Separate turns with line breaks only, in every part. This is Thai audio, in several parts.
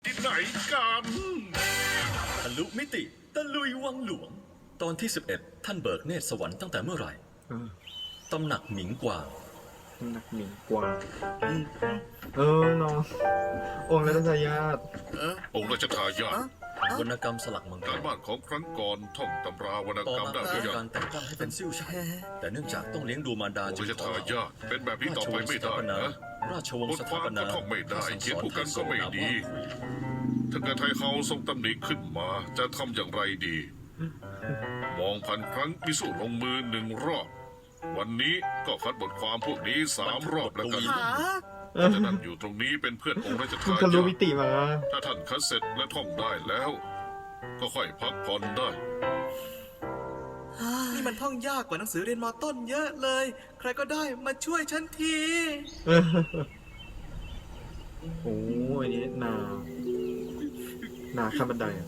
ที่ไหนกัน
ทะลุมิติตะลุยวังหลวง ตอนที่ 11 ท่านเบิกเนตรสวรรค์ตั้งแต่เมื่อไหร่ตำหนักหมิงกวาง
หนักหมิ่นกว่าน้ององค์รัชญาติ
องค์ราชทายาท
วรรณกรรมสลักมังก
การ
ร
บ้านของครั้งก่อนท่องตำราวรรณ
ต่อก
รรม
มา
ได้ห
เป็
รื
น
อยัง
การแต่งตั้งให้เป็นซิ่วชัยแต่เนื่องจากต้องเลี้ยงดูมารดา
องค์
จึง
ราช
ขอ
ทายาทเป็นแบบนี้
รา
ต่อ
ช
ไป
วงศ์
ไม่
สถา
ได้
ปนา
นะ
ราชวง
บ
ศ์
ท
ส
ควา
ถาม ปนา
ก็ท่องไม่ได้
สั่ง
เขียน
สอน
ผู้กันก็ไม่ดี ถ้าเกิดไทยเฮาทรงตำหนิขึ้นมาจะทำอย่างไรดี มองพันครั้งพิสูจน์ลงมือ1 รอบ วันนี้ก็คัดบทความพวกนี้3 รอบแล้วกันจะนั่งอยู่ตรงนี้เป็นเพื่อนองค์ราช
คุณ
ทา
ทะลุ
ยา
มิ
ท
ติมา
ถ้าท่านคัดเสร็จและท่องได้แล้ว ก็ค่อยพักผ่อนได้
นี่มันท่องยากกว่าหนังสือเรียนมต้นเยอะเลย ใครก็ได้มาช่วยฉันที
โอ้ยนี่นาข้ามบันไดอะ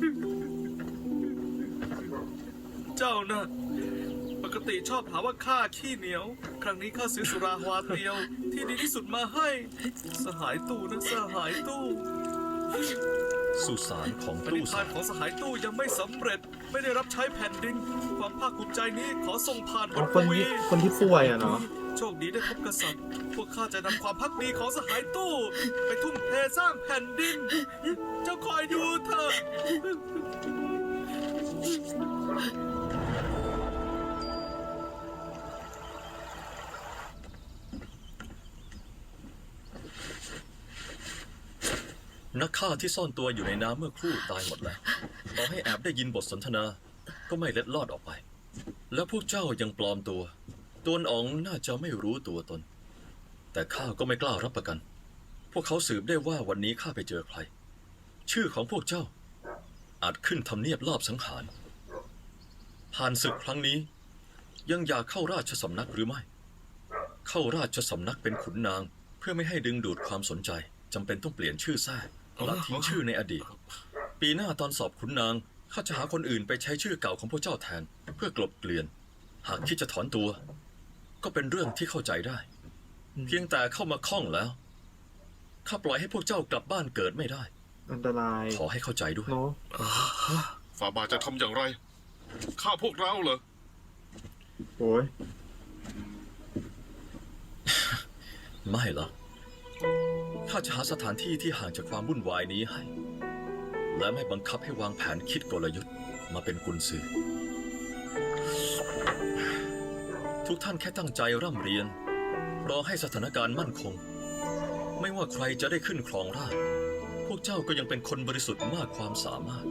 เจ้าน่ะปกติชอบหาว่าข้าขี้เหนียว ครั้งนี้ข้าซื้อสุราฮวาเตียว ที่ดีที่สุดมาให้ สหายตู้นะสหายตู้
สุสานของ
ปณิ
ตู้
ธา
สาน ร
ของสหายตู้ยังไม่สำเร็จ ไม่ได้รับใช้แผ่นดิน ความภาคภูมิใจนี้ขอส่งผ่านบ
อ๋อ
ท
คน
วี
ที่ป่วยอะเนาะ
โชคดีได้พบกษัตริย์ พวกข้าจะนำความพักดีของสหายตู้ ไปทุ่มเทสร้างแผ่นดิน เจ้าคอยดูเถอะ
นักฆ่าที่ซ่อนตัวอยู่ในน้ำเมื่อครู่ตายหมดแล้วต่อให้แอบได้ยินบทสนทนา ก็ไม่เล็ดลอดออกไป แล้วพวกเจ้ายังปลอมตัวตัวอ๋องน่าจะไม่รู้ตัวตน แต่ข้าก็ไม่กล้ารับประกัน พวกเขาสืบได้ว่าวันนี้ข้าไปเจอใคร ชื่อของพวกเจ้า อาจขึ้นทำเนียบลอบสังหาร ผ่านศึกครั้งนี้ ยังอยากเข้าราชสำนักหรือไม่ เข้าราชสำนักเป็นขุนนาง เพื่อไม่ให้ดึงดูดความสนใจจำเป็นต้องเปลี่ยนชื่อแท้และทิ้งชื่อในอดีต ปีหน้าตอนสอบขุนนางข้าจะหาคนอื่นไปใช้ชื่อเก่าของพวกเจ้าแทน เพื่อกลบเกลื่อน หากคิดจะถอนตัว ก็เป็นเรื่องที่เข้าใจได้ เพียงแต่เข้ามาข้องแล้วข้าปล่อยให้พวกเจ้ากลับบ้านเกิดไม่ได้
อันตราย
ขอให้เข้าใจด้วย
เนาะ
ฝ่าบาทจะทำอย่างไรฆ่าพวกเราเหรอ
โอ้ย
ไม่หรอกข้าจะหาสถานที่ที่ห่างจากความวุ่นวายนี้ให้ และไม่บังคับให้วางแผนคิดกลยุทธ์มาเป็นกุญสือ ทุกท่านแค่ตั้งใจร่ำเรียน รอให้สถานการณ์มั่นคง ไม่ว่าใครจะได้ขึ้นครองราชย์พวกเจ้าก็ยังเป็นคนบริสุทธิ์มากความสามารถ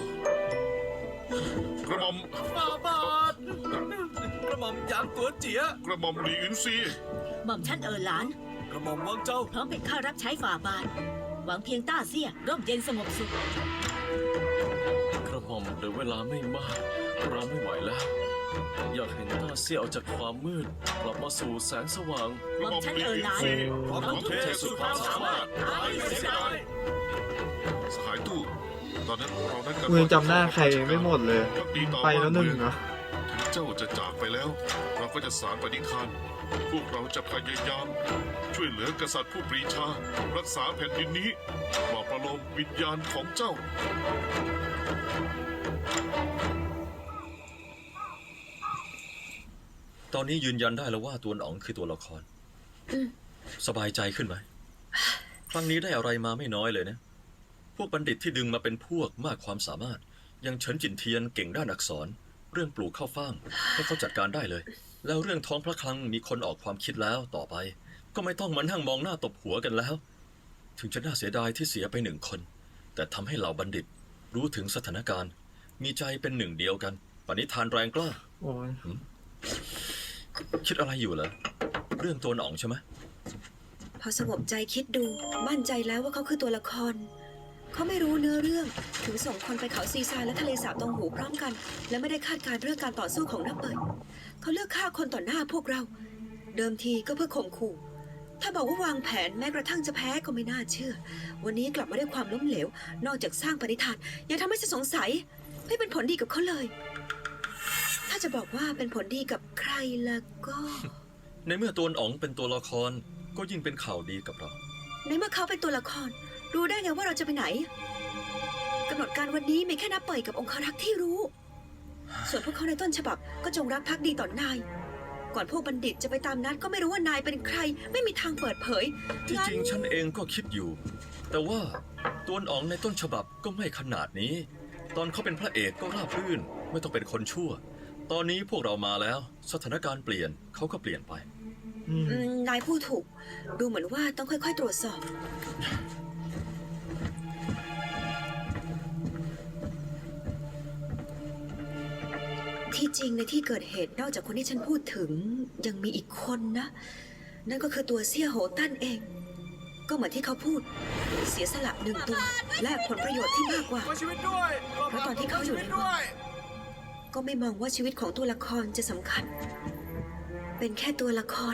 กระหม่อม
ฟาบาทกระหม่อมหยางตัวเจีย
กระหม่อมหลีอินซี
หม่อมฉันหลาน
กระหม่อมวังเจ้า
พร้อมเป็นข้ารับใช้ฝ่าบาท หวังเพียงต้าเสียร่มเย็นสงบสุข
กระหม่อมเหลือเวลาไม่มากเราไม่ไหวแล้ว อยากเห็นต้าเสียออกจากความมืด กลับมาสู่แสงสว่าง
กระหม่อมหลีอินซี
พร้อมทุ่มเทสุดความสามารถไม่เสียดาย
สหายตู้ตอนนั้นเรานัดกัน
มือจำหน้าใครไม่หมดเลย
ดีต่อ
ไปแล้วหนึ่ง
บ้าเมือง
เนาะ
ถึงเจ้าจะจากไปแล้ว เราก็จะสารปณิธาน พวกเราจะพยายาม ช่วยเหลือกษัตริย์ผู้ปรีชา รักษาแผ่นดินนี้ปลอบประโลมวิญญาณของเจ้า
ตอนนี้ยืนยันได้แล้วว่าตัวอ๋องคือตัวละคร สบายใจขึ้นไหม ครั้งนี้ได้อะไรมาไม่น้อยเลยนะ พวกบัณฑิตที่ดึงมาเป็นพวกมากความสามารถอยังเฉินจินเทียนเก่งด้านอักษร เรื่องปลูกข้าวฟ่างให้เขาจัดการได้เลย แล้วเรื่องท้องพระคลังมีคนออกความคิดแล้วต่อไป ก็ไม่ต้องมานั่งมองหน้าตบหัวกันแล้ว ถึงจะน่าเสียดายที่เสียไป1 คน แต่ทำให้เหล่าบัณฑิตรู้ถึงสถานการณ์ มีใจเป็นหนึ่งเดียวกันปณิธานแรงกล้า
โอ้ย
คิดอะไรอยู่เหรอเรื่องตัวอ๋องใช่ไหม
พอสงบใจคิดดูมั่นใจแล้วว่าเขาคือตัวละคร เขาไม่รู้เนื้อเรื่องถึงส่งคนไปเขาซีซายและทะเลสาบตองหูพร้อมกัน และไม่ได้คาดการณ์เรื่องการต่อสู้ของนักเปิดเขาเลือกฆ่าคนต่อหน้าพวกเรา เดิมทีก็เพื่อข่มขู่ ถ้าบอกว่าวางแผนแม้กระทั่งจะแพ้ก็ไม่น่าเชื่อ วันนี้กลับมาด้วยความล้มเหลว นอกจากสร้างปณิธานยังทำให้ฉันสงสัยไม่เป็นผลดีกับเขาเลย ถ้าจะบอกว่าเป็นผลดีกับใครแล้วก็
ในเมื่อตัวอ๋องเป็นตัวละครก็ยิ่งเป็นข่าวดีกับเรา
ในเมื่อเขาเป็นตัวละครรู้ได้ไงว่าเราจะไปไหนกำหนดการวันนี้มีแค่นับเปิดกับองคารักษ์ที่รู้ ส่วนพวกเขาในต้นฉบับก็จงรักภักดีต่อนาย ก่อนพวกบัณฑิตจะไปตามนัดก็ไม่รู้ว่านายเป็นใคร ไม่มีทางเปิดเผย
ที่จริงฉันเองก็คิดอยู่ แต่ว่าตัวอ๋องในต้นฉบับก็ไม่ขนาดนี้ ตอนเขาเป็นพระเอกก็ราบรื่น ไม่ต้องเป็นคนชั่ว ตอนนี้พวกเรามาแล้ว สถานการณ์เปลี่ยนเขาก็เปลี่ยนไป
นายพูดถูก ดูเหมือนว่าต้องค่อยๆตรวจสอบ ที่จริงในที่เกิดเหตุนอกจากคนที่ฉันพูดถึงยังมีอีกคนนะ นั่นก็คือตัวเสี่ยโหตั้นเอง ก็เหมือนที่เขาพูด เสียสละหนึ่งตัวแลกผลประโยชน์ที่มากกว่า
ขอชีวิตด้วย
เพราะตอนที่เขาอยู่ในวัง ก็ไม่มองว่าชีวิตของตัวละครจะสำคัญ เป็นแค่ตัวละคร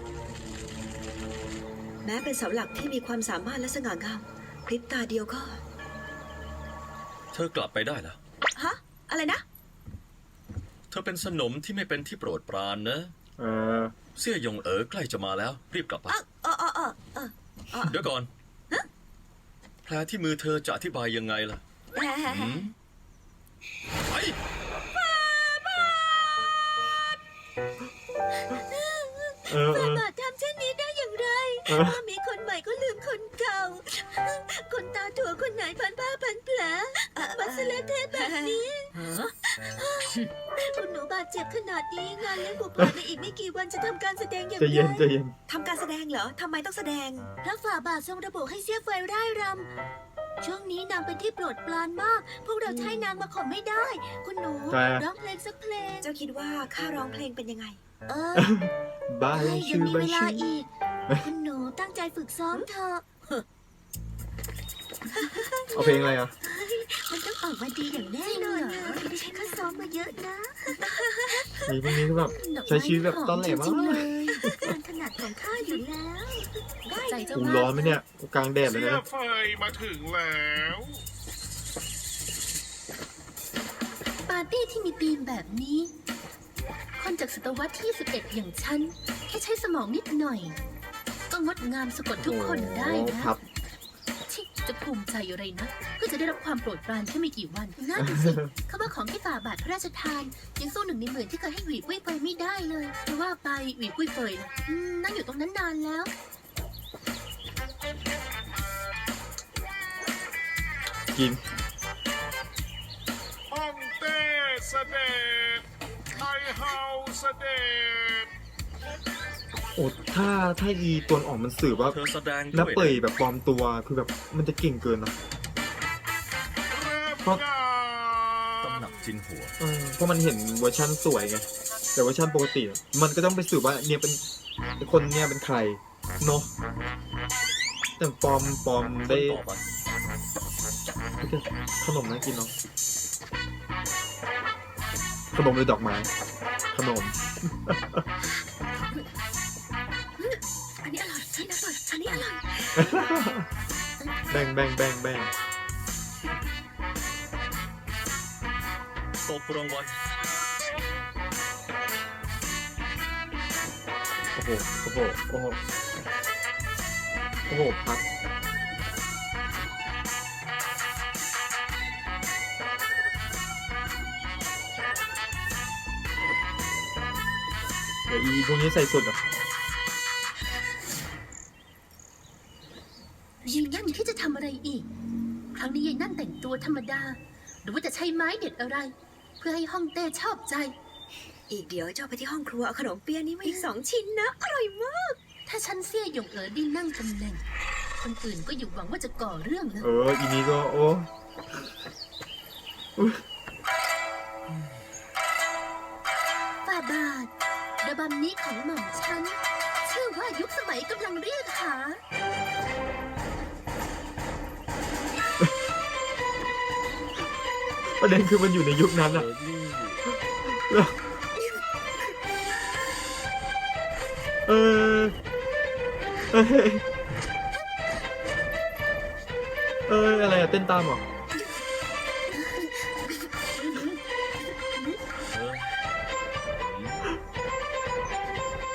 แม้เป็นเสาหลักที่มีความสามารถและสง่างามพริบตาเดียวก็
เธอกลับไปได้แล้ว
ฮะ อะไรนะ
เธอเป็นสนมที่ไม่เป็นที่โปรดปรานนะ
เออ
เสี่ยหยงใกล้จะมาแล้ว รีบกลับไป เดี๋ยวก่อน แผลที่มือเธอจะอธิบายยังไงล่ะหืมไป
เออ
บาททำเช่นนี้ได้อย่างไร ถ้ามีคนใหม่ก็ลืมคนเก่า คนตาถั่วคนไหนพันผ้าพันแผลบัสเลเทแบบนี้ คุณหนูบาดเจ็บขนาดนี้งานเลี้ยงผูกพันในอีกไม่กี่วันจะทำการแสดงอย่าง
ใจ
ไร
เย็นใจเย็น
ทำการแสดงเหรอ ทำไมต้องแสดง
พระฝ่าบาททรงระบุให้เสี้ยไฟร่ายรำ ช่วงนี้นางเป็นที่โปรดปรานมาก พวกเราใช้นางมาข่มไม่ได้ คุณหนู
ใช่
ร้องเพลงสักเพลง
เจ้าคิดว่าข้าร้องเพลงเป็นยังไง
บ้า
เอ้ย
ชื่
ยัง
อ
มี
บ้า
เวลา
ชื่อ
อีก คุณหนูตั้งใจฝึกซ้อมเถอะ
เอาเพลงอะไรอ่ะ
มันต้องออกมาดีอย่างแน่นอนนะดิฉันก็ซ้อมมาเยอะนะ
มีพวกนี้ก็แบบใช้ชีวิตแบบต้นแหลม
จริงๆ
มาก
เลยการถนัดของข้าอยู่แล้วใจเจ้า
กู
มาก
ร้อนไหมเนี่ยกูกลางแดดเลย
เสีย
นะ
ไฟมาถึงแล้ว
ปาร์ตี้ที่มีธีมแบบนี้ คนจากศตวรรษที่ 11 อย่างฉัน แค่ใช้สมองนิดหน่อย ก็งดงามสะกดทุกคนได้
โอ้
นะ
ครับ
ชิจะภูมิใจอะไรนะ เพื่อจะได้รับความโปรดปรานแค่ไม่กี่วันน่าดูสิ เขาว่าของที่ฝ่าบาทพระราชทาน ยังสู้หนึ่งในหมื่นที่เคยให้หวีกุ้ยเฟยไม่ได้เลยแต่ว่าไปหวีกุ้ยเฟยล่ะนั่งอยู่ตรงนั้นนานแล้ว
กิน
ห้องเต้เสด็จไทยเฮาเสด็จ
โอ้ถ้าอีตัวออกมันสื่อว่า
เธอแสดง
นับ
ด้วย
เปยแบบปลอมตัวคือแบบมันจะเก่งเกินนะ
เริ่ม
เพราะ
งา
ตำ
น
หนักจินหัว
เพราะมันเห็นเวอร์ชันสวยไง แต่เวอร์ชันปกติมันก็ต้องไปสืบว่าเนี่ยเป็นคนเนี่ยเป็นใครเนาะแต่ปลอม
คน
ได้
ต่อไป
ขนมน่ากินเนาะขนมหรือดอกไม้ ขนม
อันนี้อร่อยอันนี้อร่อยอันนี้อร่อย
แบ่ง
ตบรางวัล
โอ้โหพักเดี๋ยวอีพวกนี้ใส่สุดอ่ะ
ยิงนั่นที่จะทำอะไรอีก ครั้งนี้ยายนั่นแต่งตัวธรรมดา หรือว่าจะใช้ไม้เด็ดอะไร เพื่อให้ฮ่องเต้ชอบใจ
อีกเดี๋ยวเจ้าไปที่ห้องครัวเอาขนมเปี๊ยะนี้มาอีก2 ชิ้นนะ อร่อยมาก
ถ้าฉันเสี้ยหยงได้นั่งตำแหน่ง คนอื่นก็อยู่หวังว่าจะก่อเรื่องนะ
อีนี้ก็โอ้
ฝ่าบาทระบำนี้ของหม่อมฉัน ชื่อว่ายุคสมัยกำลังเรียกหา
ประเด็นคือมันอยู่ในยุคนั้นอ่ะ เอออะไรอะเต้นตามเหรอ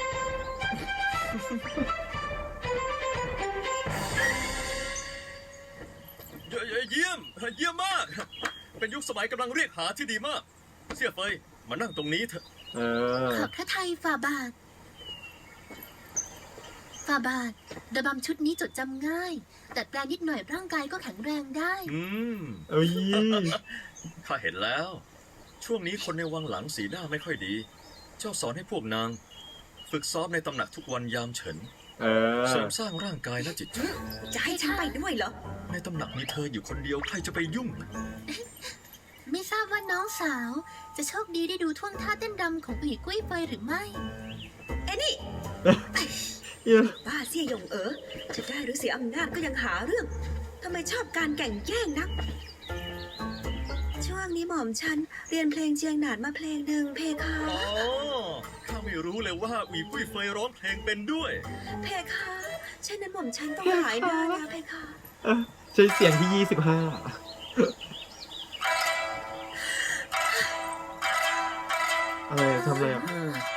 เยี่ยม เยี่ยมมาก เป็นยุคสมัยกำลังเรียกหาที่ดีมาก เสี่ยเฟยมานั่งตรงนี้เถอะ
เออ
ขอบพระทัยฝ่าบาท ฝ่าบาทระบำชุดนี้จดจำง่าย แต่แปลงนิดหน่อยร่างกายก็แข็งแรงได้
อืม
เอ้ย
ข้าเห็นแล้ว ช่วงนี้คนในวังหลังสีหน้าไม่ค่อยดี เจ้าสอนให้พวกนาง ฝึกซ้อมในตำหนักทุกวันยามเฉิน
เออ
เสริมสร้างร่างกายและจิตใจ
จะให้ฉันไปด้วยเหรอ
ในตำหนักมีเธออยู่คนเดียวใครจะไปยุ่ง
ไม่ทราบว่าน้องสาว จะโชคดีได้ดูท่วงท่าเต้นรำของปีกุ้ยเฟยหรือไม่
เอ้นี่
เหี้ย
บ้าเสี่ยหยงจะได้หรือเสียอำนาจก็ยังหาเรื่อง ทำไมชอบการแก่งแย่งนัก ช่วงนี้หม่อมฉันเรียนเพลงเจียงหนานมาเพลงหนึ่งเพคะ
อ๋อ ข้าไม่รู้เลยว่าหวีปุ้ยเฟยร้องเพลงเป็นด้วย
เพคะเช่นนั้นหม่อมฉันต้องหายหน้าแล้วเพคะ
ใช้เสียงที่ 25อะไรทำอะไรอ่ะ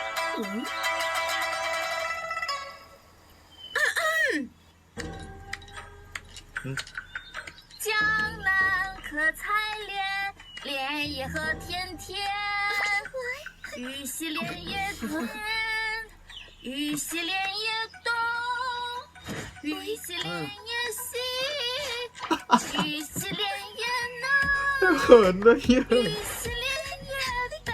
江南可采莲，莲叶何田田。玉溪莲叶东，玉溪莲叶东，玉溪莲叶西，玉溪莲叶南，
เขินด้วยเหี้ย
玉溪莲叶北。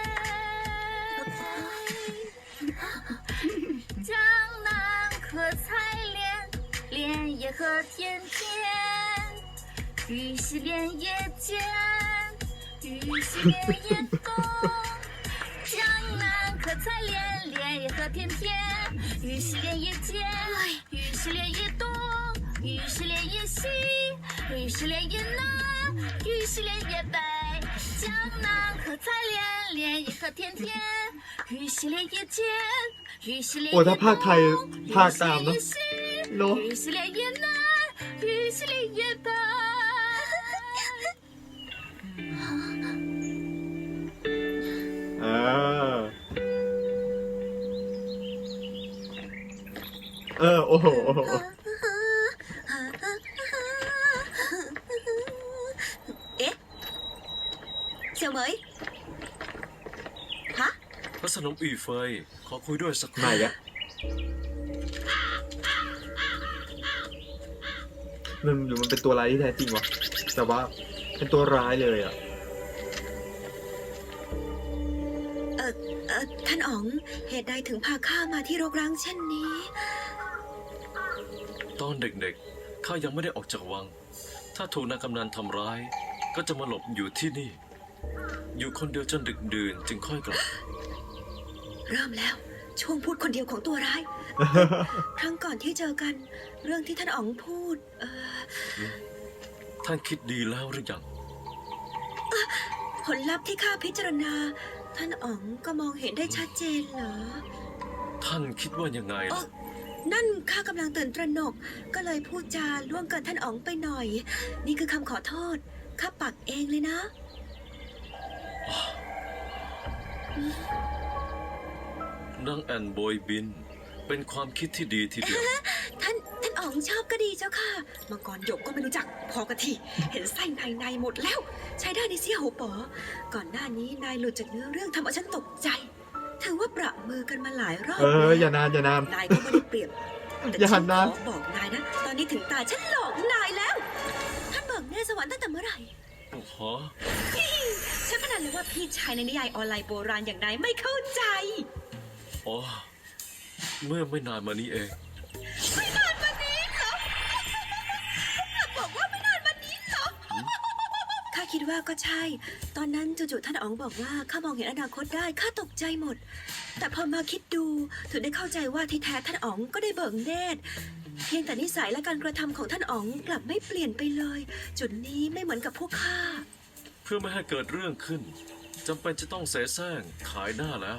江南可采莲，莲叶何田田。玉溪莲叶间，玉溪莲叶东。江南可采莲，莲叶何田田。玉溪莲叶间，玉溪莲叶东。玉溪莲叶西，玉溪莲叶南，玉溪莲叶北。江南可采莲，莲叶何田田。玉溪莲叶间，玉溪莲
โอ้
叶
ถ้าภาคไทย
东。
ภาคตามเนาะ เนาะ
玉溪莲叶南，玉溪莲叶北。
อ่าโอ้โห
เอ๊ะเสี่ยวเหมยฮะ
พระสนมอีเฟย ขอคุยด้วยสักค
ไหน
รู่
อะมันหรือมันเป็นตัวร้ายที่แท้จริงวะ แต่ว่าเป็นตัวร้ายเลยอ่ะ
ท่านอ๋อง เหตุใดถึงพาข้ามาที่รกร้างเช่นนี้
ตอนเด็กๆ ข้ายังไม่ได้ออกจากวัง ถ้าถูกนางกำนันทำร้าย ก็จะมาหลบอยู่ที่นี่ อยู่คนเดียวจนดึกดื่นจึงค่อยกลับ
เริ่มแล้ว ช่วงพูดคนเดียวของตัวร้าย ครั้งก่อนที่เจอกัน เรื่องที่ท่านอ๋องพูด
ท่านคิดดีแล้วหรือยัง
ผลลัพธ์ที่ข้าพิจารณา ท่านอ๋องก็มองเห็นได้ชัดเจนเหรอ
ท่านคิดว่ายังไงล่ะ
นั่นข้ากำลังตื่นตระหนก ก็เลยพูดจาล่วงเกินท่านอ๋องไปหน่อย นี่คือคำขอโทษ ข้าปักเองเลยนะ
นางแอนโบยบิน เป็นความคิดที่ดีทีเดียว
ท่านอ๋องชอบก็ดีเจ้าค่ะ มังกรหยกก็ไม่รู้จัก พอกะทีเห็นไส้ในหมดแล้ว ใช้ได้ในเสี่ยหูป๋อ ก่อนหน้านี้นายหลุดจากเนื้อเรื่องทำเอาฉันตกใจ ถือว่าประมือกันมาหลายรอบ
อย่านาน
นายก็ไม่ได้เปรียบ แต่
อย่าหั
ฉั
น
น
นะ
ขอบอกนายนะ ตอนนี้ถึงตาฉันหลอกนายแล้ว ท่านเบิกเนตรสวรรค์ตั้งแต่เมื่อไหร่
โอ้โห
ฉันพนันเลยว่าพี่ชายในนิยายออนไลน์โบราณอย่างนายไม่เข้าใจ
อ๋อ เมื่อไม่นานมานี้เอง
บอกว่าไม่นานวันนี้เหรอ ข้าคิดว่าก็ใช่ ตอนนั้นจู่ๆท่านอ๋องบอกว่าข้ามองเห็นอนาคตได้ ข้าตกใจหมด แต่พอมาคิดดูถึงได้เข้าใจว่าที่แท้ท่านอ๋องก็ได้เบิกเนตร เพียงแต่นิสัยและการกระทำของท่านอ๋องกลับไม่เปลี่ยนไปเลย จุดนี้ไม่เหมือนกับพวกข้า
เพื่อไม่ให้เกิดเรื่องขึ้นจำเป็นจะต้องเสแสร้งขายหน้าแล้ว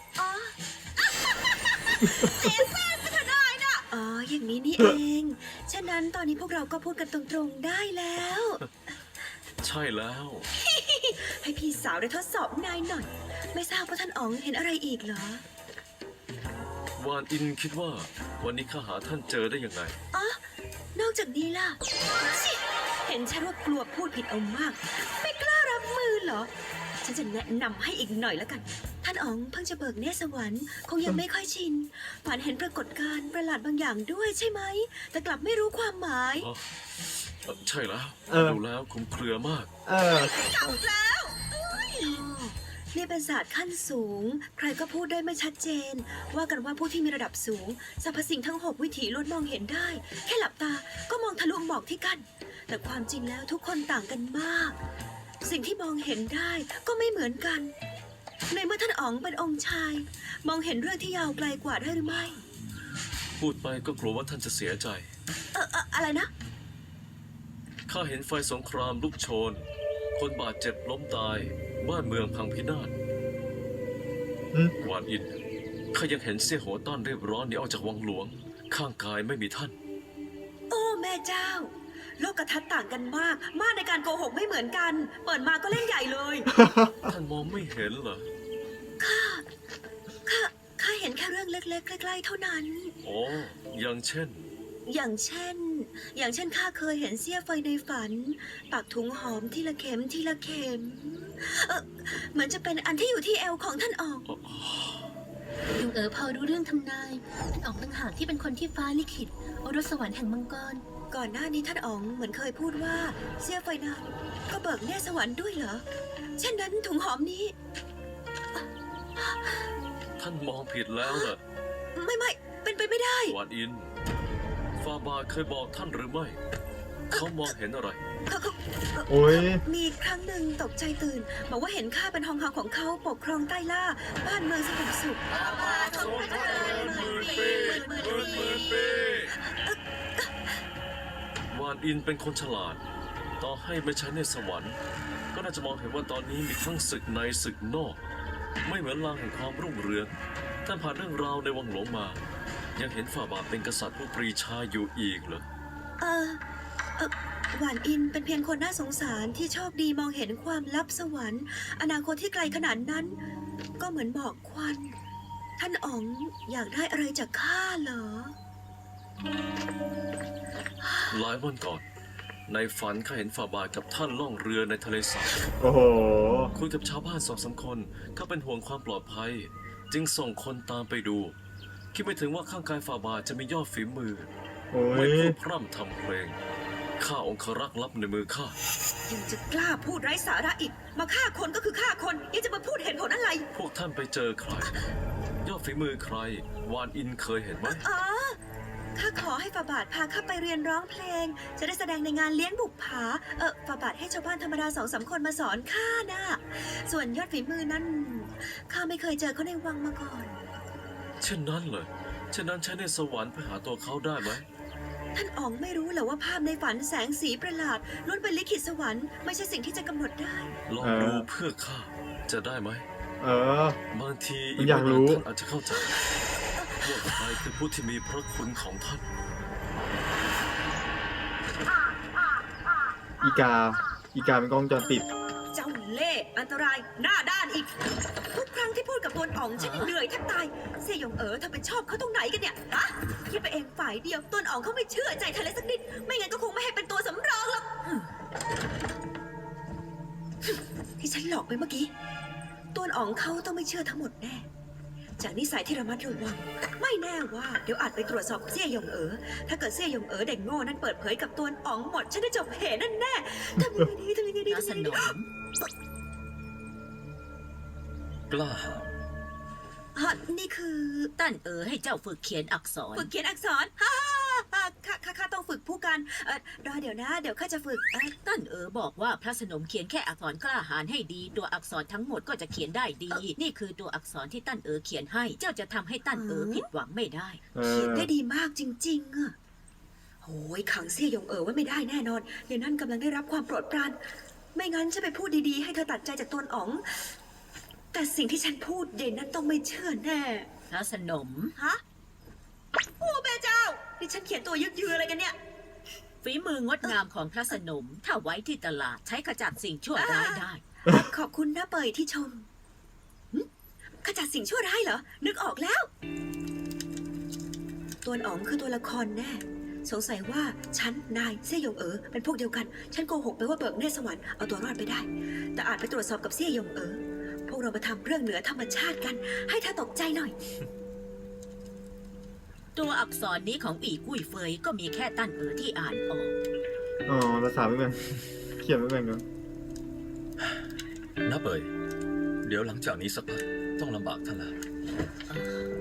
อ๋อ อย่างนี้นี่เอง ฉะนั้นตอนนี้พวกเราก็พูดกันตรงๆได้แล้ว
ใช่แล้ว
ให้พี่สาวได้ทดสอบนายหน่อย ไม่ทราบว่าท่านอ๋องเห็นอะไรอีกเหรอ
วานอินคิดว่าวันนี้ข้าหาท่านเจอได้ยังไง
อ๋อ นอกจากนี้ล่ะชิเห็นห็นฉันว่ากลัวพูดผิดเอามาก ไม่กล้ารับมือเหรอ ฉันจะแนะนำให้อีกหน่อยแล้วกัน ท่านอ๋องเพิ่งจะเบิกเนตรสวรรค์คงยังไม่ค่อยชินฝันเห็นปรากฏการณ์ประหลาดบางอย่างด้วยใช่ไหม แต่กลับไม่รู้ความหมาย
อ๋อใช่แล้ว
เออ
ดูแล้วคลุมเครือมาก
เออ
เก่าแล้วนี่เป็นศาสตร์ขั้นสูง ใครก็พูดได้ไม่ชัดเจน ว่ากันว่าผู้ที่มีระดับสูงสรรพสิ่งทั้ง 6 วิถีล้วนมองเห็นได้ แค่หลับตาก็มองทะลุหมอกที่กั้นแต่ความจริงแล้วทุกคนต่างกันมาก สิ่งที่มองเห็นได้ก็ไม่เหมือนกัน ในเมื่อท่านอ๋องเป็นองค์ชาย มองเห็นเรื่องที่ยาวไกลกว่าได้หรือไม่
พูดไปก็กลัวว่าท่านจะเสียใจ
อะไรนะ
ข้าเห็นไฟสงครามลุกโชน คนบาดเจ็บล้มตาย บ้านเมืองพังพินาศ
อืม
วานอิน ข้ายังเห็นเสี่ยโหต้อนเรียบร้อนหนีออกจากวังหลวง ข้างกายไม่มีท่าน
โอ้แม่เจ้า โลกทัศน์ต่างกันมาก มาในการโกหกไม่เหมือนกัน เปิดมาก็เล่นใหญ่เลย
ท่านมองไม่เห็นเหรอ
ข้าเห็นแค่เรื่องเล็กๆใกล้ๆเท่านั้น
โอ้อย่างเช่น
อย่างเช่นข้าเคยเห็นเสี้ยไฟในฝัน ปักถุงหอมทีละเข็มทีละเข็ม เหมือนจะเป็นอันที่อยู่ที่เอวของท่านอ๋อง
ยงเอ๋อพอรู้เรื่องทำนายท่านอ๋องต่างหากที่เป็นคนที่ฟ้าลิขิตโอรสสวรรค์แห่งมังกร
ก่อนหน้านี้ท่านอ๋องเหมือนเคยพูดว่าเสี้ยไฟนั้นก็เบิกเนตรสวรรค์ด้วยเหรอ เช่นนั้นถุงหอมนี้
ท่านมองผิดแล้วเหรอ
ไม่เป็นไปไม่ได้
วานอิน ฟาบาเคยบอกท่านหรือไม่ เขามองเห็นอะไร
เขา
โอ้ย
มีครั้งหนึ่งตกใจตื่น บอกว่าเห็นข้าเป็นทองคำของเขาปกครองใต้ล่า บ้านเมืองสงบสุข
วานอินเป็นคนฉลาด ต่อให้ไม่ใช่ในสวรรค์ ก็น่าจะมองเห็นว่าตอนนี้มีทั้งศึกในศึกนอก ไม่เหมือนลางแห่งความรุ่งเรืองท่านผ่านเรื่องราวในวังหลวงมา ยังเห็นฝ่าบาทเป็นกษัตริย์ผู้ปรีชาอยู่อีกเหรอ
หวานอินเป็นเพียงคนน่าสงสารที่โชคดีมองเห็นความลับสวรรค์ อนาคตที่ไกลขนาดนั้น ก็เหมือนหมอกควัน ท่านอ๋องอยากได้อะไรจากข้าเหรอ
หลายวันก่อน ในฝันข้าเห็นฝ่าบาทกับท่านล่องเรือในทะเลสาบ
โอ้โห
คุยกับชาวบ้าน2-3 คนเขาเป็นห่วงความปลอดภัย จึงส่งคนตามไปดู คิดไม่ถึงว่าข้างกายฝ่าบาทจะมียอดฝีมือ
โอ้
ไม่
ย
พูดพร่ำทำเพลงข้าองครักษ์ลับในมือข้า
ยังจะกล้าพูดไร้สาระอีก มาฆ่าคนก็คือฆ่าคนยังจะมาพูดเหตุผลอะไร
พวกท่านไปเจอใคร ยอดฝีมือใคร วานอินเคยเห็นไหม
อ๋อ ข้าขอให้ฝ่าบาทพาข้าไปเรียนร้องเพลง จะได้แสดงในงานเลี้ยงบุปผา ฝ่าบาทให้ชาวบ้านธรรมดา2-3 คนมาสอนข้านะส่วนยอดฝีมือนั้นข้าไม่เคยเจอเขาในวังมาก่อน
เช่นนั้นเลยเช่นนั้นใช้ในสวรรค์ไปหาตัวเขาได้ไหม
ท่านอ๋องไม่รู้เหรอว่าภาพในฝันแสงสีประหลาดล้วนเป็นลิขิตสวรรค์ไม่ใช่สิ่งที่จะกำหนดได้
ลองดูเพื่อข้าจะได้ไหม
เออ
บางที
อยากรู้
ไม่นนท่านอาจจะเข้าใจว่าใครคือผู้ที่มีพระคุณของท่าน
อีกาเป็นกล้องวงจรปิด
เจ้าเล่ห์อันตรายหน้าด้านอีก ทุกครั้งที่พูดกับตวนอ๋องฉันยังเหนื่อยแทบตายเสี่ยหยงเอ๋อเธอไปชอบเขาตรงไหนกันเนี่ยฮะคิดไปเองฝ่ายเดียวตวนอ๋องเขาไม่เชื่อใจเธอเลยสักนิดไม่งั้นก็คงไม่ให้เป็นตัวสำรองหรอกที่ฉันหลอกไปเมื่อกี้ตวนอ๋องเขาต้องไม่เชื่อทั้งหมดแน่จากนิสัยที่ระมัดระวังไม่แน่ว่าเดี๋ยวอาจไปตรวจสอบเสี่ยหยงเอ๋อถ้าเกิดเสี่ยหยงเอ๋อเด็กโง่นั้นเปิดเผยกับตวนอ๋องหมดฉันได้จบเหนั่นแน่ทำยังไงดีทำยังไงดี
พระสนม
กล้าหาญ
ฮะนี่คือ
ตั้นให้เจ้าฝึกเขียนอักษร
ฝึกเขียนอักษรฮ่าข้าต้องฝึกผู้กันรอเดี๋ยวนะ เดี๋ยวข้าจะฝึก
ตั้นบอกว่าพระสนมเขียนแค่อักษรกล้าหาญให้ดี ตัวอักษรทั้งหมดก็จะเขียนได้ดี นี่คือตัวอักษรที่ตั้นเขียนให้ เจ้าจะทำให้ตั้นผิดหวังไม่ได้
เอ
เขียน
อ
ได้ดีมากจริงๆอะโอ้ยขังเสี่ยหยงไว้ไม่ได้แน่นอนเดี๋ยวนั่นกำลังได้รับความโปรดปรานไม่งั้นจะไปพูดดีๆให้เธอตัดใจจากตวนอ๋อง แต่สิ่งที่ฉันพูดเย็นนั้นต้องไม่เชื่อแน่
พระสนม
ฮะโอ้แม่เจ้านี่ฉันเขียนตัวยึกยืออะไรกันเนี่ย
ฝีมืองดงามของพระสนม ถ้าไว้ที่ตลาดใช้ขจัดสิ่งชั่วร้ายได้
ขอบคุณนะเปยที่ชมหึขจัดสิ่งชั่วร้ายเหรอ นึกออกแล้ว ตัวอ๋องคือตัวละครแน่สงสัยว่าฉันนายเซี่ยหยงเป็นพวกเดียวกัน ฉันโกหกไปว่าเบิกเนตรสวรรค์เอาตัวรอดไปได้ แต่อาจไปตรวจสอบกับเซี่ยหยงพวกเรามาทำเรื่องเหนือธรรมชาติกัน ให้เธอตกใจหน่อย
ตัวอักษรนี้ของอีกุ้ยเฟยก็มีแค่ตั้นที่อ่านออก
อ๋อภาษาไม่เป็น เขียนไม่เป็นกัน
น้าเบยเดี๋ยวหลังจากนี้สักพักต้องลำบากท่านแล้ว